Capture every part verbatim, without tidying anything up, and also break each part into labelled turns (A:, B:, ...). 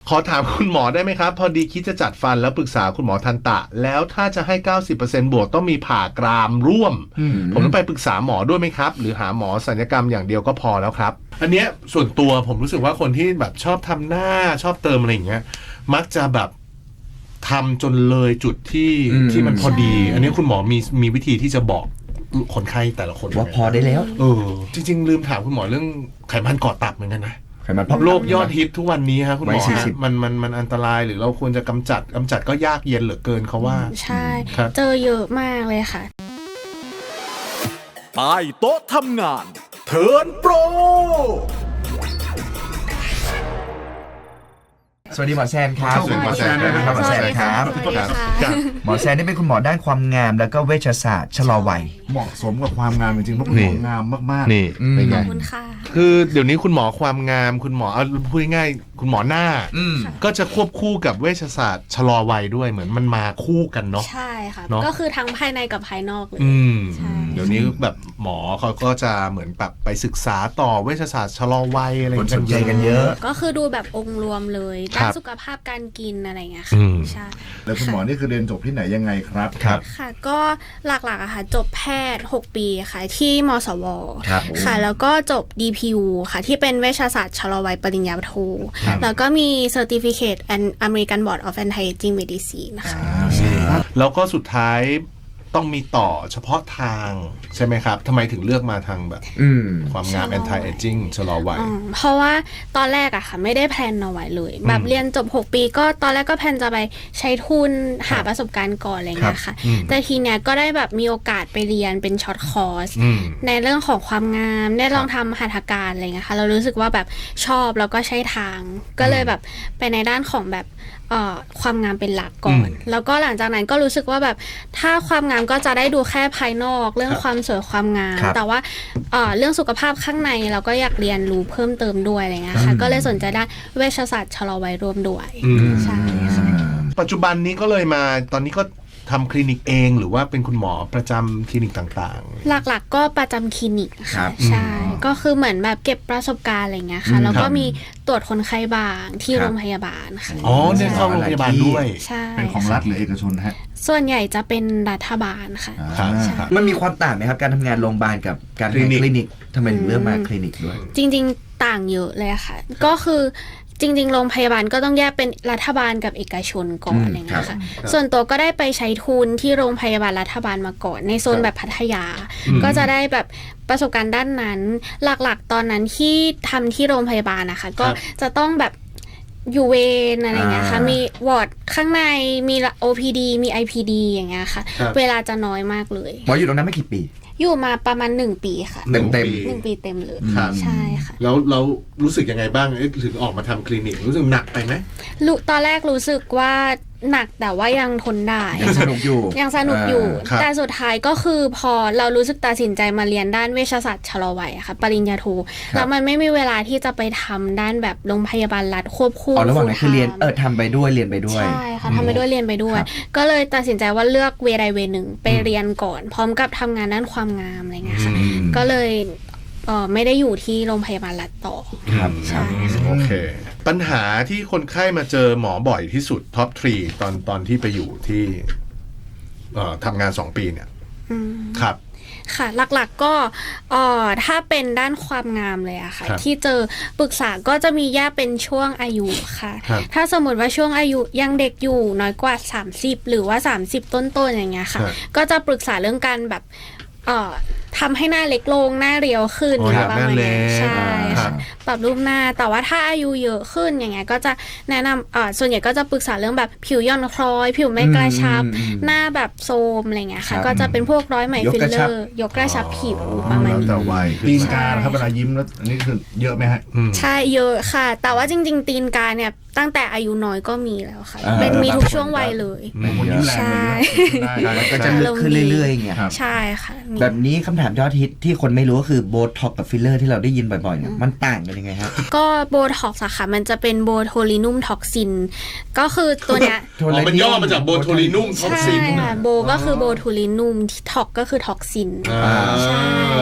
A: ขอถามคุณหมอได้ไหมครับพอดีคิดจะจัดฟันแล้วปรึกษาคุณหมอทันตะแล้วถ้าจะให้ เก้าสิบเปอร์เซ็นต์ บวกต้องมีผ่ากรามร่วมผมต้องไปปรึกษาหมอด้วยไหมครับหรือหาหมอศัลยกรรมอย่างเดียวก็พอแล้วครับอันเนี้ยส่วนตัวผมรู้สึกว่าคนที่แบบชอบทำหน้าชอบเติมอะไรอย่างเงี้ยมักจะแบบทำจนเลยจุดที่ที่มันพอดีอันนี้คุณหมอมีมีวิธีที่จะบอกคนไข้แต่ละคน
B: ว่าพอได้แล้ว
A: เออจริงๆลืมถามคุณหมอเรื่องไขมันก่อตับเหมือนกันนะ
B: ไขมันพอก
A: โรคยอดฮิตทุกวันนี้ครับคุณหมอมันมันมันอันตรายหรือเราควรจะกำจัดกำจัดก็ยากเย็นเหลือเกินเขาว่า
C: ใช่เจอเยอะมากเลยค่ะ
D: ใต้โต๊ะทำงานเทิร์นโปร
B: สวัสดีหมอแซนครับ
A: สวัสดีหมอแซนนะครับ
B: หมอแซนครับหมอแซนนี่เป็นคุณหมอด้านความงามแล้วก็เวชศาสตร์ชะลอวัย
E: เหมาะสมกับความงามจริงๆเพราะคุณหมองามมากๆ
A: นี่
C: เป็นไงขอบคุณค่ะ
A: คือเดี๋ยวนี้คุณหมอความงามคุณหมอเอาพูดง่ายๆคุณหมอหน้าก็จะควบคู่กับเวชศาสตร์ชะลอวัยด้วยเหมือนมันมาคู่กันเนาะ
C: ใช่ค่ะก็คือทั้งภายในกับภายนอกเลย
A: เดี๋ยวนี้แบบหมอเขาก็จะเหมือนแบบไปศึกษาต่อเวชศาสตร์ชะลอวัยอะไร
B: กันเยอะกันเยอะ
C: ก็คือดูแบบองค์รวมเลยด้านสุขภาพการกินอะไรเงี้ยค่ะใช่
E: แล้วคุณหมอนี่คือเรียนจบที่ไหนยังไงครับ
A: ครับ
C: ค่ะก็หลักๆอะค่ะจบแพทย์หกปีค่ะที่มสวค่ะแล้วก็จบ ดี พี ยู ค่ะที่เป็นเวชศาสตร์ชะลอวัยปริญญาโทแล้วก็มี Certificate and American Board of Anti-Aging Medicine นะคะ
A: แล้วก็สุดท้ายต้องมีต่อเฉพาะทางใช่ไหมครับทำไมถึงเลือกมาทางแบบความงาม anti aging ชะลอวัย
C: เพราะว่าตอนแรกอะค่ะไม่ได้แพลนเอาไว้เลยแบบเรียนจบหกปีก็ตอนแรกก็แพลนจะไปใช้ทุนหาประสบการณ์ก่อนอะไรเงี้ยค่ะแต่ทีเนี้ยก็ได้แบบมีโอกาสไปเรียนเป็นช็อตคอร์สในเรื่องของความงามได้ลองทำหัตถการอะไรเงี้ยค่ะเรารู้สึกว่าแบบชอบแล้วก็ใช้ทางก็เลยแบบไปในด้านของแบบความงามเป็นหลักก่อนแล้วก็หลังจากนั้นก็รู้สึกว่าแบบถ้าความงามก็จะได้ดูแค่ภายนอกเรื่องความสวยความงามแต่ว่าเรื่องสุขภาพข้างในเราก็อยากเรียนรู้เพิ่มเติมด้วยอะไรเงี้ยค่ะก็เลยสนใจด้านเวชศาสตร์ชะลอวัยรวมด้วยใช่ค่ะ
A: ปัจจุบันนี้ก็เลยมาตอนนี้ก็ทำคลินิกเองหรือว่าเป็นคุณหมอประจำคลินิกต่าง
C: ๆหลักๆก็ประจำคลินิกค่ะใช่ก็คือเหมือนแบบเก็บประสบการณ์อะไรเงี้ยค่ะแล้วก็มีตรวจคนไข้บางที่โรงพยาบาลค่ะ
A: อ๋อเนี่ยเข้าโรงพยาบาลด้วย
C: ใช่
E: เป็นของรัฐหรือเอกชนฮะ
C: ส่วนใหญ่จะเป็นรัฐบาลค่ะ
B: มันมีความต่างไหมครับการทำงานโรงพยาบาลกับการทำงานคลินิกทำไมถึงเลือกมาคลินิกด้วย
C: จริงๆต่างเยอะเลยค่ะก็คือจริงๆโรงพยาบาลก็ต้องแยกเป็นรัฐบาลกับเอกชนก่อนอะไรเงี้ยค่ะส่วนตัวก็ได้ไปใช้ทุนที่โรงพยาบาลรัฐบาลมาก่อนในโซนแบบพัทยาก็จะได้แบบประสบการณ์ด้านนั้นหลักๆตอนนั้นที่ทำที่โรงพยาบาลนะคะก็จะต้องแบบอยู่เวรอะไรเงี้ยค่ะมีวอร์ดข้างในมี โอ พี ดี มี ไอ พี ดี อย่างเงี้ยค่ะเวลาจะน้อยมากเลย
B: หมออยู่ตรงนั้นไม่กี่ปี
C: อยู่มาประมาณหนึ่งปีค่ะ
B: เต็มเต็ม
C: หนึ่งปีเต็มเลยใช่ค่ะ
A: แล้วเรารู้สึกยังไงบ้างถึงออกมาทำคลินิกรู้สึกหนักไปไหม
C: รู้ตอนแรกรู้สึกว่าหนักแต่ว่ายังทนได้
B: ยังสนุกอยู่
C: ยังสนุกอยู่แต่สุดท้ายก็คือพอเรารู้สึกตัดสินใจมาเรียนด้านเวชศาสตร์ชะลอวัยค่ะปริญญาโทแล้วมันไม่มีเวลาที่จะไปทำด้านแบบโรงพยาบาลรัฐควบคู่
B: อ๋อระหว่างนั้นคือเรียนเออทำไปด้วยเรียนไปด้วย
C: ใช่ค่ะทำไปด้วยเรียนไปด้วยก็เลยตัดสินใจว่าเลือกเวใดเวหนึ่งไปเรียนก่อนพร้อมกับทำงานด้านความงามอะไรเงี้ยค่ะก็เลยเออไม่ได้อยู่ที่โรงพยาบาลรัฐต่อ
B: ครับ
C: ใช่
A: โอเคปัญหาที่คนไข้มาเจอหมอบ่อยที่สุดท็อปทรีตอนตอนที่ไปอยู่ที่ทำงานสองปีเนี่ยครับ
C: ค่ะหลักๆก็เอ่อถ้าเป็นด้านความงามเลยอะค่ะที่เจอปรึกษาก็จะมีแยกเป็นช่วงอายุค่ะถ้าสมมติว่าช่วงอายุยังเด็กอยู่น้อยกว่าสามสิบหรือว่าสามสิบต้นๆอย่างเงี้ยค่ะก็จะปรึกษาเรื่องการแบบเอ่อทำให้หน้าเล็กลงหน้าเรียวขึ้น
A: ประมาณนี้
C: ใช่ค่ะปรับรูปหน้าแต่ว่าถ้าอายุเยอะขึ้นอย่างเงี้ยก็จะแนะนำอ่าส่วนใหญ่ก็จะปรึกษาเรื่องแบบผิวย่อนคล้อยผิวไม่กระชับหน้าแบบโทรมอะไรเงี้ยค่ะก็จะเป็นพวกร้อยไหมฟิลเลอร์ยกกระชับผิวประมาณนี้
E: แต่วัยตีนกาครับเวลายิ้มแล้วอันนี้คือเยอะไหมฮะ
C: ใช่เยอะค่ะแต่ว่าจริงๆตีนกาเนี่ยตั้งแต่อายุน้อยก็มีแล้วค่ะเป็นมีทุกช่วงวัยเลย
E: ใช่
B: ก็จะลึกขึ้นเรื่อยๆอย่างเงี้ย
C: ใช่ค่ะ
B: แบบนี้คำถามยอดฮิตที่คนไม่รู้ก็คือโบท็อกกับฟิลเลอร์ที่เราได้ยินบ่อยๆเนี่ยมันต่างกันยังไงครับ
C: ก็โบท็อกซ์อะค่ะมันจะเป็นโบโทลินุมท็อกซินก็คือตัวเนี้ย
A: มันย่อมาจากโบโทลินุมท็อกซิน
C: ใช่ค่ะโบก็คือโบโทลินุมท็อกก็คือท็อกซินใช่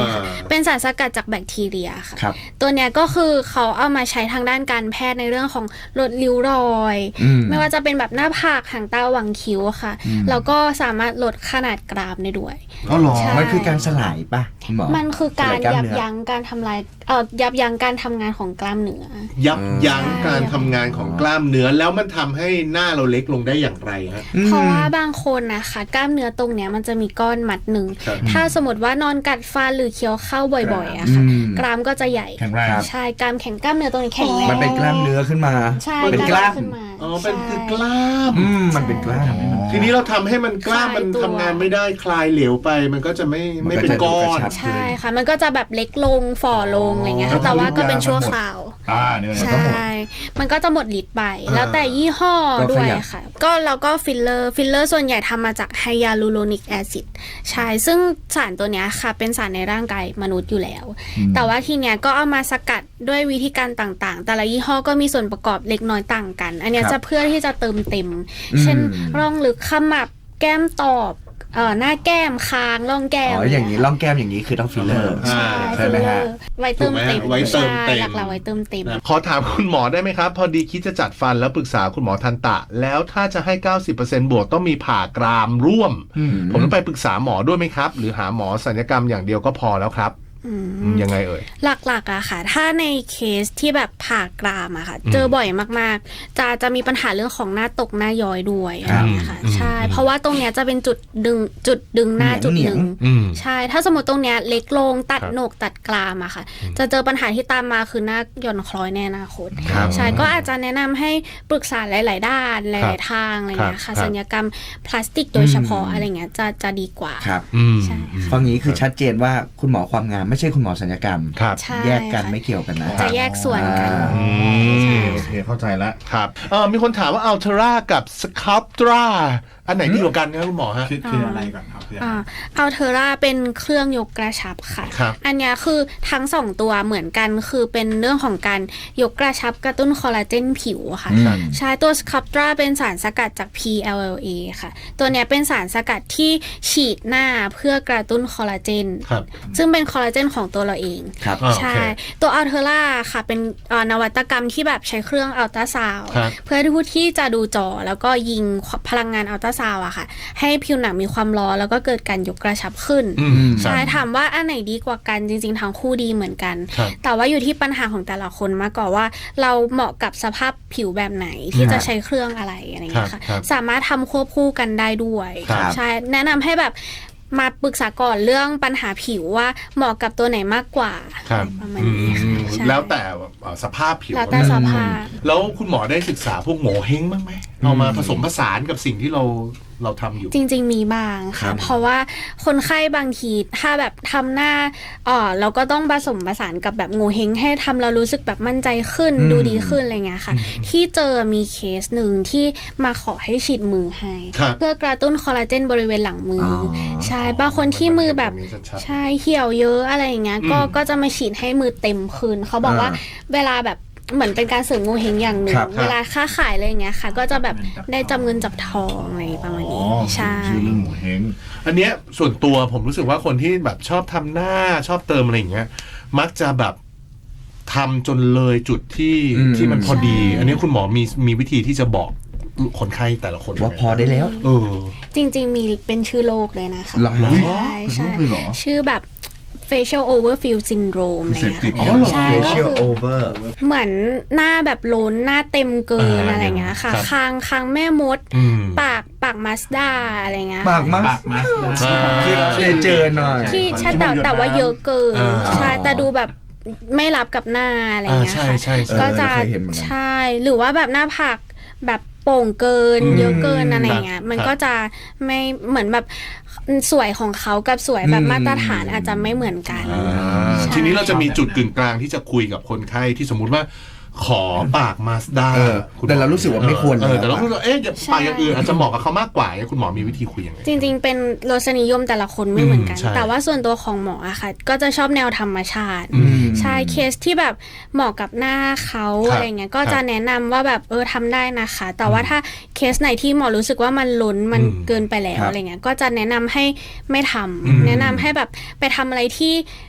C: เป็นสารสกัดจากแบคทีเรียค่ะ
B: ครับ
C: ตัวเนี้ยก็คือเขาเอามาใช้ทางด้านการแพทย์ในเรื่องของลดริ้วรอย
B: อืม
C: ไม่ว่าจะเป็นแบบหน้าผากหางตาหว่างคิ้วค่ะ แล้วก็สามารถลดขนาดกรามได้ด้วย
E: อ๋อเหรอ
C: ใช่
B: มันคือการสลายป่ะคุณหมอ
C: มันคือการ
B: สล
C: ยับ
B: เนื้อ
C: ยั้งการทำลายเอ่อยับยั้งการทำงานของกล้ามเนื้อ
A: ยับยั้ง
C: ใช่
A: การทำงานของกล้ามเนื้อแล้วมันทำให้หน้าเราเล็กลงได้อย่างไรฮะ
C: เพราะว่าบางคนนะคะกล้ามเนื้อตรงเนี้ยมันจะมีก้อนมัดหนึ่ง
A: ครับ
C: ถ้าสมมติว่านอนกัดฟันหรือเคี้ยวข้าวบ่อยๆอะค่ะ
B: อืม
C: กรามก็จะใหญ่
E: แข็งแรง
C: ใช่กรามแข็งกล้ามเนื้อตรงนี้แข็งแรง
B: มันเป็นกล้ามเนื้อขึ้นมา
C: ใช่
B: เป็นกล้าม
C: ขึ้นมา
A: อ๋อเป็น
C: ใช่
A: คือกล้าม
B: อืมมันเป็นกล้าม
A: ทีนี้เราทำให้มันกล้าม
C: คลาย
A: มัน
C: ตัว
A: ทำงานไม่ได้คลายเหลวไป มันก็จะไม่
B: มัน
A: ไม่
B: ก็
A: เป็น
B: จะ
A: ก้อน
B: กระชับ
C: ใช่ค่ะ มันก็จะแบบเล็กลงฝ่อลงอะไรเงี้ย
A: อ๋อ
C: ค่ะแต่ว่าก็เป็นชั่วคราว
E: อ่าเนี่ย
C: ใช
E: ต้องหมด
C: ่ มันก็จะหมดฤทธิ์ไป
A: อ่า
C: แล้วแต่ยี่ห้อ
B: ก็
C: ด้วย
B: ขยับ
C: ค่ะ ก็เราก็ฟิลเลอร์ ฟิลเลอร์ส่วนใหญ่ทำมาจากไฮยาลูโรนิกแอซิด ใช่ ซึ่งสารตัวเนี้ยค่ะ เป็นสารในร่างกายมนุษย์อยู่แล้ว แต่ว่าทีเนี้ยก็เอามาสกัดด้วยวิธีการต่างๆ แต่ละยี่ห้อก็มีส่วนประกอบเล็กน้อยต่างกัน อันเนี้ย
B: ครับ
C: จะเพื่อที่จะเติมเต็ม เช่น
B: อืม
C: ร่องลึกขมับ แก้มตอบเอ่อหน้าแก้มคางร่องแก้ม
B: อ๋ออย่างนี้ร่องแก้มอย่างนี้คือต้องฟิลเลอร์
A: อ่า
C: ใช่
B: ใช่
C: ฟิล
B: ไหม
C: เลอ
B: ฮะ
C: ร์ไว้เติมเต็ม
A: ถูกไหมไว้เติมเต็ม
C: ใช่หลักๆไว้เติมเต็ม
A: ขอถามคุณหมอได้ไหมครับ พอดีคิดจะจัดฟันแล้วปรึกษาคุณหมอทันตะ แล้วถ้าจะให้ เก้าสิบเปอร์เซ็นต์ บวกต้องมีผ่ากรามร่วม
B: อืม
A: ผมต้องไปปรึกษาหมอด้วยไหมครับ หรือหาหมอศัลยกรรมอย่างเดียวก็พอแล้วครับ
C: อืม
A: อืมยังไงเอ่ย
C: หลักๆอะค่ะ ถ้าในเคสที่แบบผ่ากรามอะค่ะ เจอบ่อยมากๆ จะจะมีปัญหาเรื่องของหน้าตกหน้าย้อยด้วยอะไรอย่างเงี้ยค่ะ
A: อืม
C: ใช่ เพราะว่าตรงเนี้ยจะเป็นจุดดึงจุดดึงหน้า
B: เหนียง
C: จุดหนึ่ง
A: อืม
C: ใช่ ถ้าสมมติตรงเนี้ยเล็กลงตัด
A: ครับ
C: โหนกตัดกรามอะค่ะ จะเจอปัญหาที่ตามมาคือหน้าหย่อนคล้อยในอนาคต
A: ครับ
C: ใช่ ก็อาจจะแนะนำให้ปรึกษาหลาย ๆ ด้านห
A: ครั
C: ลาย
A: บ
C: ๆ ทางอะไรอย่างเงี้ย
A: ครั
C: ค่ะ
A: บ
C: ศัลยกรรมพลาสติกโดยเฉพาะอะไรเงี้ยจะจะดีกว่า
B: ครับ
A: อืม
C: ใช่
B: ฟังนี้คือชัดเจนว่าคุณหมอความงามไม่ใช่คุณหมอศัลยกรรม
A: ครับ
C: ใช่
B: แยกกัน
C: ค่ะ
B: ไม่เกี่ยวกันนะ
C: จะแยกส่วนกัน
B: อ่า
A: อืม
E: โอเคเข้าใจแล้ว
A: ครับเออมีคนถามว่าอัลเทรากับสครับตราอันไหนดีกว่ากันครับคุณหมอฮะ
E: คือคืออะไรก่อนครับคืออะไร
C: อ่าอัลเทอร่าเป็นเครื่องยกกระชับค่ะ
A: ครับ
C: อันเนี้ยคือทั้งสองตัวเหมือนกันคือเป็นเรื่องของการยกกระชับกระตุ้นคอลลาเจนผิวค่ะ
B: อืม
C: ใช้ตัวสครับตราเป็นสารสกัดจาก พี แอล แอล เอ ค่ะ ตัวเนี้ยเป็นสารสกัดที่ฉีดหน้าเพื่อกระตุ้นคอลลาเจน
A: ครับ
C: ซึ่งเป็นคอลลาเจนของตัวเราเอง
B: ครับ
A: อ่า
C: ใช่
A: โอเค
C: ตัวอัลเทอร่าค่ะเป็นเอ่อนวัตกรรมที่แบบใช้เครื่องอัลตราซาวด์
A: ครับ
C: เพื่อที่ผู้ที่จะดูจอแล้วก็ยิงพลังงานอัลตราซาวด์อะค่ะ ให้ผิวหนังมีความร้อนแล้วก็เกิดการยกกระชับขึ้น
A: อืม
C: ใช่
A: ครับ
C: ถามว่าอันไหนดีกว่ากันจริงๆทั้งคู่ดีเหมือนกัน
A: ครับ
C: แต่ว่าอยู่ที่ปัญหาของแต่ละคนมากกว่าว่า เราเหมาะกับสภาพผิวแบบไหนที่จะใช้เครื่องอะไรอะไรอย่างเงี้ย
A: ครั
C: ค่ะ
A: บครับ
C: สามารถทำควบคู่กันได้ด้วย
A: ครับ
C: ใช่แนะนำให้แบบมาปรึกษาก่อนเรื่องปัญหาผิวว่าเหมาะกับตัวไหนมากกว่า
A: ครับ
C: ประมาณ
A: อื
C: นี้ค่ะ
A: ม
C: ใช่
A: แล้วแต่เอ่อสภาพผิว
C: แล้วแต่สภาพ
A: แล้วคุณหมอได้ศึกษาพวกโง่เฮงบ้างไหมเอามาผสมผสานกับสิ่งที่เราเราทำอยู่
C: จริง ๆ มีบ้าง
B: ครั
C: ค่ะ
B: บ
C: เพราะว่าคนไข้บางทีถ้าแบบทำหน้าเออเราก็ต้องผสมผสานกับแบบงูเฮงให้ทำเรารู้สึกแบบมั่นใจขึ้น
B: อืม
C: ดูดีขึ้นอะไรเงี้ยค่ะ ที่เจอมีเคสหนึ่งที่มาขอให้ฉีดมือให้
A: ครับ
C: เพื่อกระตุ้นคอลลาเจนบริเวณหลังมืออ
B: อ
C: ใช่บางคนที่มือแบบ
A: ตรงนี้ชัดๆ
C: ใช่เหี่ยวเยอะอะไรอย่างเงี้ยก็
A: อืม
C: ก็จะมาฉีดให้มือเต็มขึ้นเขาบอกว่า
B: อ่า
C: เวลาแบบเหมือนเป็นการเสริมงูเฮงอย่างหนึ่ง
B: ครับครับ
C: เวลาค้าขายอะไรอย่างเงี้ยค่ะ ก็จะแบบได้จำเงินจับทองอะไรประมาณ
E: อ๋อ
C: นี้ใช่
E: ชื่อเรื่องหมูเฮง
A: อันเนี้ยส่วนตัวผมรู้สึกว่าคนที่แบบชอบทำหน้าชอบเติมอะไรอย่างเงี้ย มักจะแบบทำจนเลยจุดที่
B: อืม
A: ที่มันพอดี
C: ใช่
A: อันนี้คุณหมอมีมีวิธีที่จะบอกคนไข้แต่ละคน
B: ว่าพอได้แล้ว
A: เออ
C: จริงๆ มีเป็นชื่อโรคเลยนะคะ
B: เหรอ
C: ใช่ใช่
E: เป็นโรคเลยเหรอ
C: ชื่อแบบ facial overfill syndrome อะไร
E: เสพ
C: เงี้ย
E: ติด
A: อ๋อเหรอ
C: ใช่ก็
B: facial
C: คือ
B: over
C: เหมือนหน้าแบบล้นหน้าเต็มเกิน
A: อ่า
C: อะไรเงี้ยค่ะ
A: ครับ
C: คางคางแม่มด
A: อืม
C: ปากปากมาสด้าอะไรเงี้ย
B: ปากมา
E: ปากมาสนะ
A: อ่า
B: ที่เราได้เจอหน่อย
C: ที่ใช่แต่แต่ว่าเยอะเกิน
A: อ่า
C: ใช่แต่ดูแบบไม่รับกับหน้าอะไรเงี้ย
A: อ่าใช่
C: ค่ะ
A: ใช่ใช่
C: ก็จะ
B: เออเคยเห็นเหมือนกัน
C: ใช่หรือว่าแบบหน้าผากแบบโป่งเกิน
A: อืม
C: เยอะเกินอะไรเงี้ย
A: ครับ
C: มัน
A: ครับ
C: ก็จะไม่เหมือนแบบสวยของเขากับสวยแบบ
B: อืม
C: มาตรฐานอาจจะไม่เหมือนกัน
A: อ่า
C: ใช่
A: ทีนี้เราจะมีจุดกึ่งกลางที่จะคุยกับคนไข้ที่สมมุติว่า ขอปากมาสด้า
B: เออแต่เรารู้สึกว่าไม่ควร
A: เออแต่เรารู้สึกว่าเอ๊ะอย่า
C: ใช่
A: ปากอย่างอื่นอาจจะเหมาะกับเขามากกว่าคุณหมอมีวิธีคุยยังไง
C: จริงๆ เป็นรสนิยมแต่ละคนไม่เหมือนกัน
A: อืมใช่
C: แต่ว่าส่วนตัวของหมออะค่ะ ก็จะชอบแนวธรรมชาติ
A: อืม
C: ใช่เคสที่แบบเหมาะกับหน้าเขา
A: ครับ
C: อะไรเงี้ยก็
A: ครับ
C: จะแนะนำว่าแบบเออทำได้นะคะ แต่ว่าถ้าเคสไหนที่หมอรู้สึกว่ามันล้นมัน
A: อืม
C: เกินไปแล้ว
B: ครับ
C: อะไรเงี้ยก็จะแนะนำให้ไม่ทำ
A: อืม
C: แนะนำให้แบบไปทำอะไรที่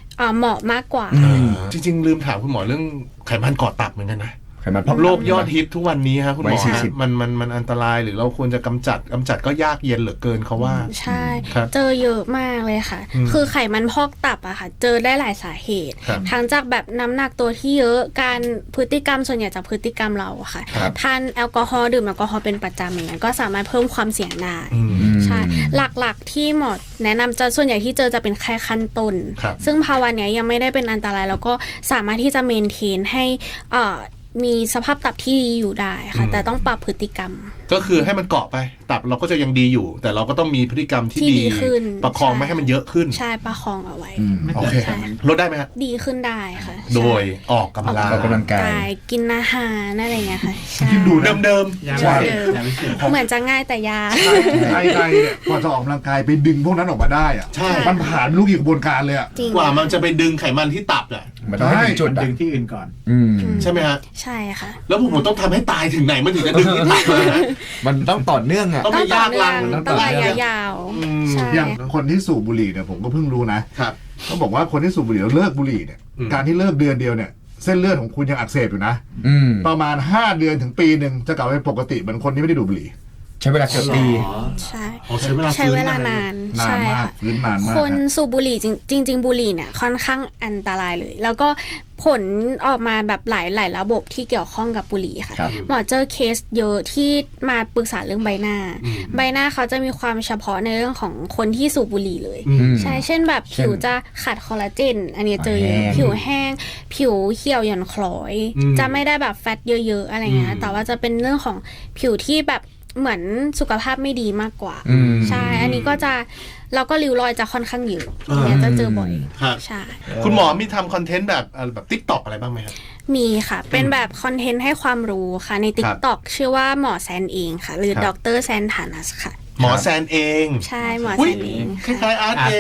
C: เอ่อเหมาะมากกว่า
B: อืม
A: จริงๆลืมถามคุณหมอเรื่องไขมันก่อตับเหมือนกันนะ
B: ไขมันพอก
A: โรคยอดฮิตทุกวันนี้ครับคุณหมอ
B: วัยสี่สิบ
A: มันมันมันอันตรายหรือเราควรจะกำจัดกำจัดก็ยากเย็นเหลือเกินเขาว่า
C: ใช่
A: ครับ
C: เจอเยอะมากเลยค่ะ
A: อืม
C: คือไขมันพอกตับอะค่ะ เจอได้หลายสาเหตุ
A: ครับ
C: ทั้งจากแบบน้ำหนักตัวที่เยอะ การพฤติกรรมส่วนใหญ่จากพฤติกรรมเราอะค่ะ
B: ครับ
C: ทานแอลกอฮอล์ดื่มแอลกอฮอล์เป็นประจำอย่างเงี้ยก็สามารถเพิ่มความเสี่ยงได้
A: อืม
C: ใช่ หลักๆที่หมอแนะนำจะส่วนใหญ่ที่เจอจะเป็นแค่ขั้นต้น
A: ครับ
C: ซึ่งภาวะเนี้ยยังไม่ได้เป็นอันตรายแล้วก็สามารถที่จะเมนเทนให้เอ่อมีสภาพตับที่ดีอยู่ได้ค่ะ แต่ต้องปรับพฤติกรรม
A: ก็คือให้มันเกาะไปตับเราก็จะยังดีอยู่ แต่เราก็ต้องมีพฤติกรรมที่
C: ที่
A: ดี
C: ดีขึ้น
A: ประคอง
C: ใช่
A: ไม่ให้มันเยอะขึ้น
C: ใช่ประคองเอาไว้
B: อืม
A: โอเค
C: ใช่
A: ลดได้ไหมครับ
C: ดีขึ้นได้ค่ะ
A: โดย
C: ใช่
A: ออกกำลัง
B: ออกกำลังกาย
C: กินอาหารอะไรเงี้ยค่ะใช่
E: คิดดูนะ
A: เดิม
F: ยา
B: ใช่
F: วิเศษยาวิเศษ
C: เหมือนจะง่ายแต่ยาก
E: ไทยไทยเนี่ยกว่าจะออกกำลังกายไปดึงพวกนั้นออกมาได้อะ
A: ใช่
E: มันผ่านลูกกี่กระบวนการเลยอะ
C: จริง
A: ๆกว่ามันจะไปดึงไขมันที่ตับอ่ะ
B: มันต้องให้ถึงจุด
F: มัน
B: อะ
F: ดึงที่อื่นก่อน
B: อืม
A: ใช่ไหมฮะ
C: ใช่ค่ะ
A: แล้วผมต้องทำให้ตายถึงไหนมันถึงจะดึงที่ตับเลยนะ
B: มันต้องต่อเนื่องอ่ะ
A: ต้อง
C: ต้
A: ไม่
C: องต่อย
A: าก
C: เนื่
A: ลั
C: อง ง
A: มัน
C: ต้อง
A: ตาย
C: ระยะยาว
A: อืม
C: ใช่
E: อย่างคนที่สูบบุหรี่เนี่ยผมก็เพิ่งรู้นะครับ เขาบอกว่าคนที่สูบบุหรี่แล้วเลิกบุหรี่เนี่ย
A: อืม
E: การที่เลิกเดือนเดียวเนี่ยเส้นเลือดของคุณยังอักเสบอยู่นะ
B: อืม
E: ประมาณห้าเดือนถึงปีหนึ่งจะกลับไปปกติเหมือนคนที่ไม่ได้ดูดบุหรี่
B: ใช้เวลาเกือบปี
C: ใช่
A: อ๋อใช้เวลา
C: ใช้เวลา
A: ฟื้น
C: นาน
E: นาน
C: ใช่
E: มาก
C: ค่ะ
E: ฟื้นนานมาก
C: คน
E: นะ
C: สูบบุหรี่จริงจริง ๆ บุหรี่เนี่ยค่อนข้างอันตรายเลย แล้วก็ผลออกมาแบบหลายหลายระบบที่เกี่ยวข้องกับบุหรี่ค่ะ
B: ครับ
C: หมอเจอเคสเยอะที่มาปรึกษาเรื่องใบหน้า ใบหน้าเขาจะมีความเฉพาะในเรื่องของคนที่สูบบุหรี่เลย
A: อืม
C: ใช่ เช่นแบบ
B: เช่น
C: ผิวจะขาดคอลลาเจน อันนี้เจอเยอะ
B: แห้ง
C: ผิวแห้ง ผิวเหี่ยวหย่อนคล้อย
A: อืม
C: จะไม่ได้แบบแฟตเยอะๆอะไรเงี้
A: อื
C: ย
A: ม
C: แต่ว่าจะเป็นเรื่องของผิวที่แบบเหมือนสุขภาพไม่ดีมากกว่า
B: อืม
C: ใช่ อันนี้ก็จะเราก็ริ้วรอยจะค่อนข้างเยอะอันเนี้ยจะเจอบ่อย
A: ครับ
C: ใช่
A: คุณหมอมีทำคอนเทนต์แบบเอ่อแบบติ๊กต็อกอะไรบ้างไหมครับ
C: มีค่ะ เป็นแบบคอนเทนต์ให้ความรู้ค่ะ ใน
A: ครับ
C: TikTok ชื่อว่าหมอแซนเองค่ะ หรือ
A: ครับ
C: ดรแซนฐานัสค่ะ
A: หมอแซนเอง
C: ใช่หมอ
A: อุ้
C: แซ
A: ย
C: นเอง
A: คล้ายๆอาร์ตเอง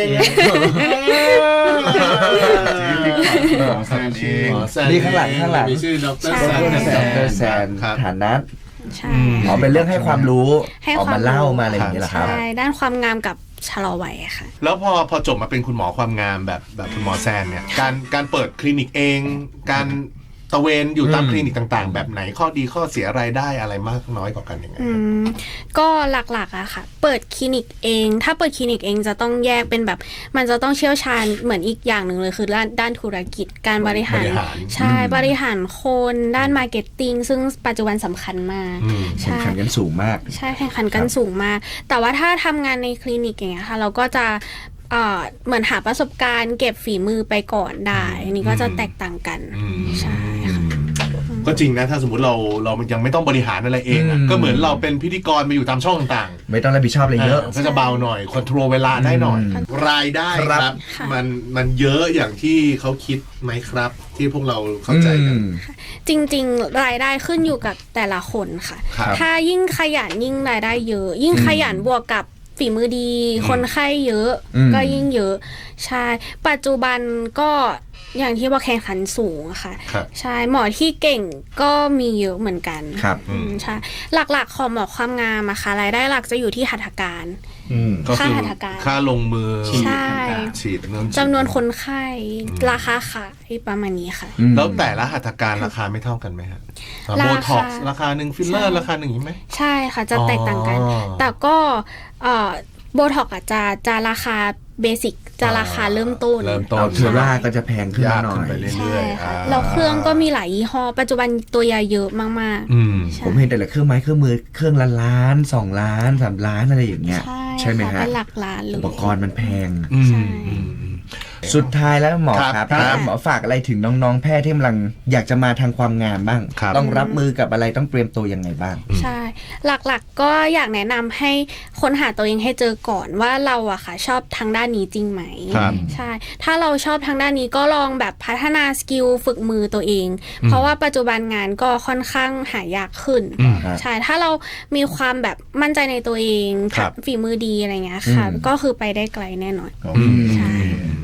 E: หมอแซนเอง
A: หมอแซน
B: นี่ข้างหลังข้างหลัง
A: มีชื่อดร
C: ใช่
A: แซน
B: ดรแซน
A: ครับ
B: ฐานัท
C: ใช่
B: อ๋อเป็นเรื่องให้ความรู้
C: ให้
B: ออก
C: ควา
B: มา
C: รู้
B: เล่ามาอะไรอย่างนี้เหรอครับ
C: ใช่ ด้านความงามกับชะลอวัยค่ะ
A: แล้วพอพอจบมาเป็นคุณหมอความงามแบบแบบคุณหมอแซนเนี่ยการการเปิดคลินิกเอง การตะเวนอยู่ตาม
B: อืม
A: คลินิกต่างๆ แบบไหนข้อดีข้อเสียรายได้อะไรมากน้อยกว่ากันยังไง
C: อืมก็หลักๆอะค่ะ เปิดคลินิกเอง ถ้าเปิดคลินิกเองจะต้องแยกเป็นแบบ มันจะต้องเชี่ยวชาญเหมือนอีกอย่างหนึ่งเลยคือด้านด้านธุรกิจ การบริหาร
A: บริหาร
C: ใช่ บริหารคนด้านมาร์เก็ตติ้งซึ่งปัจจุบันสำคัญมาก
A: อืม
B: แข่งขันกันสูงมาก
C: ใช่แข่งขันกันสูงมาก แต่ว่าถ้าทำงานในคลินิกอย่างเงี้ยค่ะ เราก็จะเอ่อเหมือนหาประสบการณ์เก็บฝีมือไปก่อนได้ อันนี้ก็จะแตกต่างกัน
A: อืม
C: ใช่ค่ะ
A: ก็จริงนะถ้าสมมติเราเรายังไม่ต้องบริหารอะไรเองอะ
B: อืม
A: ก็เหมือนเราเป็นพิธีกรมาอยู่ตามช่องต่าง
B: ไม่ต้องรับผิดชอบอะไร
A: ๆ
B: เยอะ
A: ก็จะเบาหน่อยคอนโทรลเวลาได้หน่อย
B: อืม
A: รายได้
B: ครับ
A: ครับ
C: ค่ะ
A: มันมันเยอะอย่างที่เขาคิดไหมครับ ที่พวกเราเข้าใจกัน
B: อืม
C: จริงๆ รายได้ขึ้นอยู่กับแต่ละคนค่ะ
A: ครับ
C: ถ้ายิ่งขยันยิ่งรายได้เยอะ ยิ่งขยันบวกกับฝีมือดี คนไข้เยอะ
B: อืม
C: ก็ยิ่งเยอะ ใช่ ปัจจุบันก็อย่างที่ว่าแข่งขันสูงอะค่ะ
A: ครับ
C: ใช่ หมอที่เก่งก็มีเยอะเหมือนกัน
B: ครับ
C: อืมใช่ หลักๆของหมอความงามอะค่ะรายได้หลักจะอยู่ที่หัตถการ
E: อืม
A: ก็คือ
C: ค่าหัตถการ
A: ค่าลงมือ
C: ใช่
A: ฉีดเงิน
C: จำนวนคนไข้ ราคาขายประมาณนี้ค่ะ
B: อืม
A: แล้วแต่ละหัตถการราคาไม่เท่ากันไหมฮะ
C: ราคา
A: โบท็อกซ์ราคาหนึ่งฟิลเลอร์ราคาหนึ่งอย่างนี้ไหม
C: ใช่ค่ะจะแตกต่างกัน
A: อ๋อ
C: แต่ก็เอ่อโบท็อกอาจจะจะราคาเบสิกจะราคาเริ่มต้น
A: เริ่มต้น
B: เอาเทอร่าก็จะแพงขึ้น
A: ยาก
B: หน่อ
A: ขึ้น
B: ย
A: ไปเรื่อยๆ
C: ใช่ค่ะ
A: อ่า
C: แล้วเครื่องก็มีหลายยี่ห้อ ปัจจุบันตัวยาเยอะมาก
A: อืม
C: ๆใช่
B: ผมเห็นแต่ละเครื่องไม้เครื่องมือเครื่องละล้านสองล้านสามล้านอะไรอย่างเงี้ย
C: ใช่
B: ใช่ไหม
C: ค่ะ
B: ฮะ
C: เป็นหลักล้านเลย
B: อุปกรณ์มันแพง
A: อืม
C: ใช่
A: อืมอืม
B: สุดท้ายแล้วหมอ
A: ครับ
B: ครับ
A: ครับ
B: ถ้าหมอฝากอะไรถึงน้องๆแพทย์ที่กำลังอยากจะมาทางความงามบ้าง
A: ครับ
B: ต้องรับมือกับอะไรต้องเตรียมตัวยังไงบ้าง
C: ใช่ หลักๆก็อยากแนะนำให้ค้นหาตัวเองให้เจอก่อนว่าเราอะค่ะชอบทางด้านนี้จริงไหม
A: ครับ
C: ใช่ ถ้าเราชอบทางด้านนี้ก็ลองแบบพัฒนาสกิลฝึกมือตัวเอง เพราะว่าปัจจุบันงานก็ค่อนข้างหายากขึ้น
A: อืม
B: ครับ
C: ใช่ ถ้าเรามีความแบบมั่นใจในตัวเอง
A: ครับ
C: ฝีมือดีอะไรเงี้ยค่ะ
B: อืม
C: ก็คือไปได้ไกลแน่นอน
E: โอ
A: อื
E: เค
A: ม
C: ใช่
A: โอ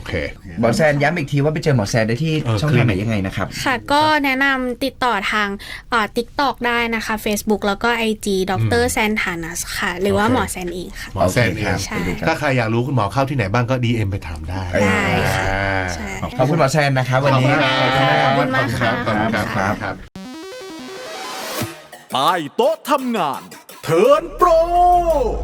A: เค
B: หมอแซนย้ำอีกทีว่าไปเจอหมอแซนได้ที่
A: เออ
B: ช่องทางไหนยังไงนะครับ
C: ค่ะ ก็แนะนำติดต่อทางอ่า TikTok ได้นะคะ Facebook แล้วก็ ไอ จี ดรแซนทานัสค่ะ หรือว่า
A: โอเค
C: หมอแซนเองค่ะ
A: หมอแซนเอง
C: ใช่
A: ถ้าใครอยากรู้คุณหมอเข้าที่ไหนบ้างก็ ดี เอ็ม ไปถามได้
C: ได้ค่ะ
A: อ่า
C: ใช่
B: ขอบคุณหมอแซนนะครับวันนี้
C: ขอบคุณมากค่ะ
A: ขอบคุณครับ
B: ครับ
A: ครับ
D: ใต้โต๊ะทำงานเทิร์นโปร